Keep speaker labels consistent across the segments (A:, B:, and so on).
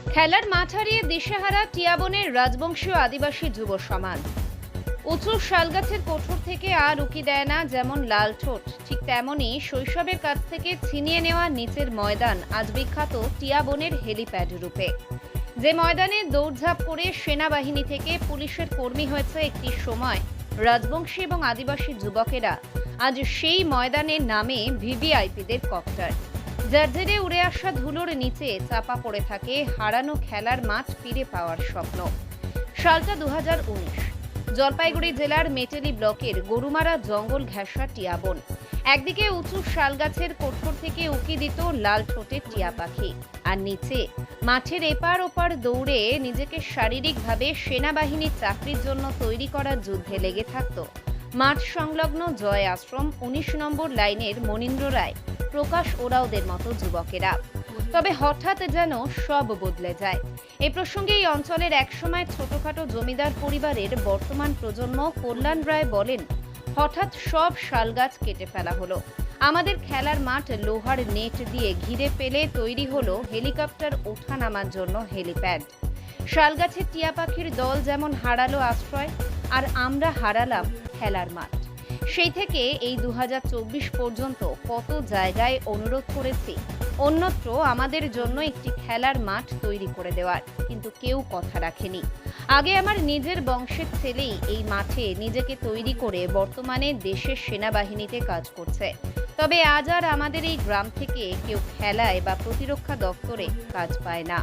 A: খেলার মাঠ হারিয়ে দিশেহারা টিয়াবনের রাজবংশীয় আদিবাসী যুব সমাজ। উঁচু শালগাছের কোঠর থেকে আর উকি দেয় না যেমন লাল ঠোঁট, ঠিক তেমনই শৈশবের কাছ থেকে ছিনিয়ে নেওয়া নিচের ময়দান আজ বিখ্যাত টিয়াবনের হেলিপ্যাড রূপে। যে ময়দানে দৌড়ঝাঁপ করে সেনাবাহিনী থেকে পুলিশের কর্মী হয়েছে একটি সময় রাজবংশী এবং আদিবাসী যুবকেরা, আজ সেই ময়দানে নামে ভিভিআইপিদের কপ্টার, যার জেরে উড়ে আসা ধুলোর নিচে চাপা পড়ে থাকে হারানো খেলার মাঠ ফিরে পাওয়ার স্বপ্ন। সালটা 2019। জলপাইগুড়ি জেলার মেটেলি ব্লকের গরুমারা জঙ্গল ঘেঁষা টিয়াবন। একদিকে উঁচু শালগাছের কোঠর থেকে উকি দিত লাল ঠোঁটের টিয়া পাখি, আর নিচে মাঠের এপার ওপার দৌড়ে নিজেকে শারীরিকভাবে সেনাবাহিনীর চাকরির জন্য তৈরি করা যুদ্ধে লেগে থাকত মাঠ সংলগ্ন জয় আশ্রম 19 নম্বর লাইনের মনীন্দ্র রায়, প্রকাশ ওরাওদের মতো যুবকেরা। তবে হঠাৎ যেন সব বদলে যায়। এই প্রসঙ্গে এই অঞ্চলের একসময় ছোটখাটো জমিদার পরিবারের বর্তমান প্রজন্ম কল্যাণ রায় বলেন, হঠাৎ সব শালগাছ কেটে ফেলা হলো, আমাদের খেলার মাঠ লোহার নেট দিয়ে ঘিরে ফেলে তৈরি হলো হেলিকপ্টার ওঠা নামার জন্য হেলিপ্যাড। শালগাছের টিয়া পাখির দল যেমন হারালো আশ্রয়, আর আমরা হারালাম খেলার মাঠ। সেই থেকে এই 2024 পর্যন্ত কত জায়গায় অনুরোধ করেছি অন্যত্র আমাদের জন্য একটি খেলার মাঠ তৈরি করে দেওয়ার, কিন্তু কেউ কথা রাখেনি। আগে আমার নিজের বংশের ছেলেই এই মাঠে নিজেকে তৈরি করে বর্তমানে দেশের সেনাবাহিনীতে কাজ করছে। তবে আজ আর আমাদের এই গ্রাম থেকে কেউ খেলায় বা প্রতিরক্ষা দপ্তরে কাজ পায় না।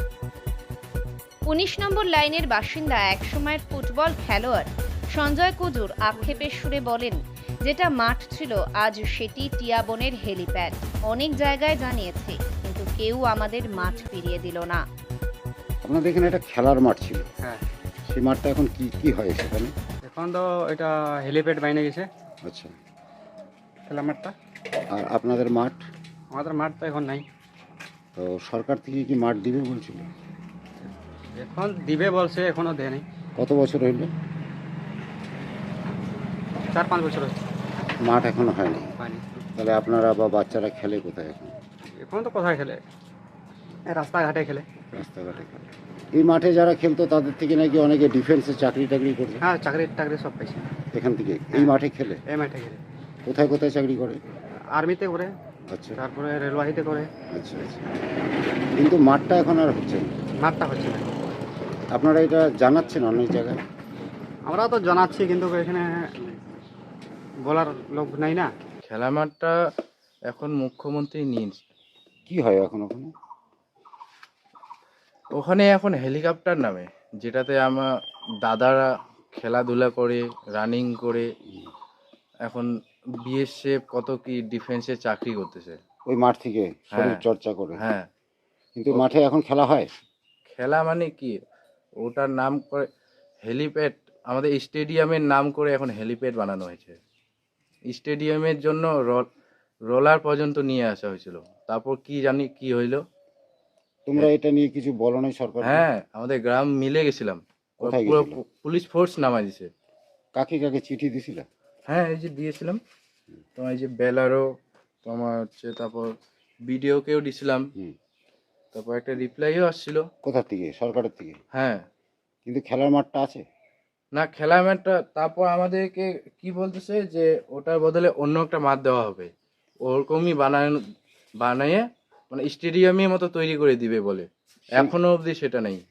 A: 19 নম্বর লাইনের বাসিন্দা একসময়ের ফুটবল খেলোয়াড় সঞ্জয় কুজুর আক্ষেপের সুরে বলেন, যেটা মাঠ ছিল আজ সেটি টিয়াবনের হেলিপ্যাড। অনেক জায়গায় জানিয়েছি, কিন্তু কেউ আমাদের মাঠ ফিরিয়ে দিল না।
B: আপনাদের এখানে একটা খেলার মাঠ ছিল,
C: হ্যাঁ,
B: সেই মাঠটা এখন কি কি হয় সেখানে?
C: এখন তো এটা হেলিপ্যাড বাইনে গেছে
B: আচ্ছা,
C: খেলা মাঠটা।
B: আর আপনাদের মাঠ?
C: আমাদের মাঠ তো এখন নাই।
B: তো সরকার থেকে কি মাঠ দিবে বলছিল?
C: এখন দিবে বলছে, এখনো দেয় নাই।
B: কত বছর হইল?
C: 4-5 বছর হচ্ছে,
B: মাঠ এখনো হয়নি।
C: হয়নি।
B: তাহলে আপনারা বা বাচ্চারা খেলে কোথায় এখন?
C: এখন তো কোথায় খেলে, এই রাস্তাঘাটে খেলে।
B: রাস্তাঘাটে খেলে। এই মাঠে যারা খেলতো তাদের থেকে নাকি অনেকে ডিফেন্সে চাকরি টাকরি করছে
C: হ্যাঁ, চাকরি টাকরি সব পাইছে
B: এখান থেকে, এই মাঠে খেলে।
C: এই মাঠে খেলে
B: কোথায় কোথায় চাকরি করে?
C: আর্মিতে করে,
B: আচ্ছা
C: তারপরে রেলওয়াহিতে করে।
B: আচ্ছা আচ্ছা, কিন্তু মাঠটা এখন আর হচ্ছে না।
C: মাঠটা হচ্ছে না।
B: আপনারা এটা জানাচ্ছেন অনেক জায়গায়?
C: আমরা তো জানাচ্ছি, কিন্তু এখানে বলার লোক নাই না।
D: খেলা মাঠটা এখন মুখ্যমন্ত্রী নিজ,
B: কি হয় এখন ওখানে?
D: ওখানে এখন হেলিকপ্টার নামে, যেটাতে আমার দাদারা খেলাধুলা করে, রানিং করে, এখন বিএসএফ কত কি ডিফেন্সে চাকরি করতেছে
B: ওই মাঠ থেকে শরীর
D: হ্যাঁ।
B: চর্চা করে?
D: হ্যাঁ,
B: কিন্তু মাঠে এখন খেলা হয়?
D: খেলা মানে কি, ওটার নাম করে হেলিপ্যাড, আমাদের স্টেডিয়ামের নাম করে এখন হেলিপ্যাড বানানো হয়েছে। স্টেডিয়ামের জন্য রোলার পর্যন্ত নিয়ে আসা হয়েছিল, তারপর কি জানি কি হইলো।
B: তোমরা এটা নিয়ে কিছু বলো নাই সরকার?
D: হ্যাঁ, আমাদের গ্রাম মিলে গেছিলাম,
B: কোথায়
D: পুরো
B: গেছিলে?
D: পুলিশ ফোর্স নামাই দিছে।
B: কাকে কাকে চিঠি দিছিল?
D: হ্যাঁ, এই যে দিয়েছিলাম তোমার, এই যে বেলারও তোমার হচ্ছে, তারপর বিডিওকেও দিছিলাম,
B: হুম।
D: তারপর একটা রিপ্লাইও আসছিল।
B: কোথা থেকে? সরকারের থেকে?
D: হ্যাঁ,
B: কিন্তু খেলার মাঠটা আছে
D: না খেলা ম্যাটটা, তারপর আমাদেরকে কি বলতেছে যে ওটার বদলে অন্য একটা মাঠ দেওয়া হবে, ওরকমই বানিয়ে মানে স্টেডিয়ামের মতো তৈরি করে দিবে বলে। এখনো অবধি সেটা নেই।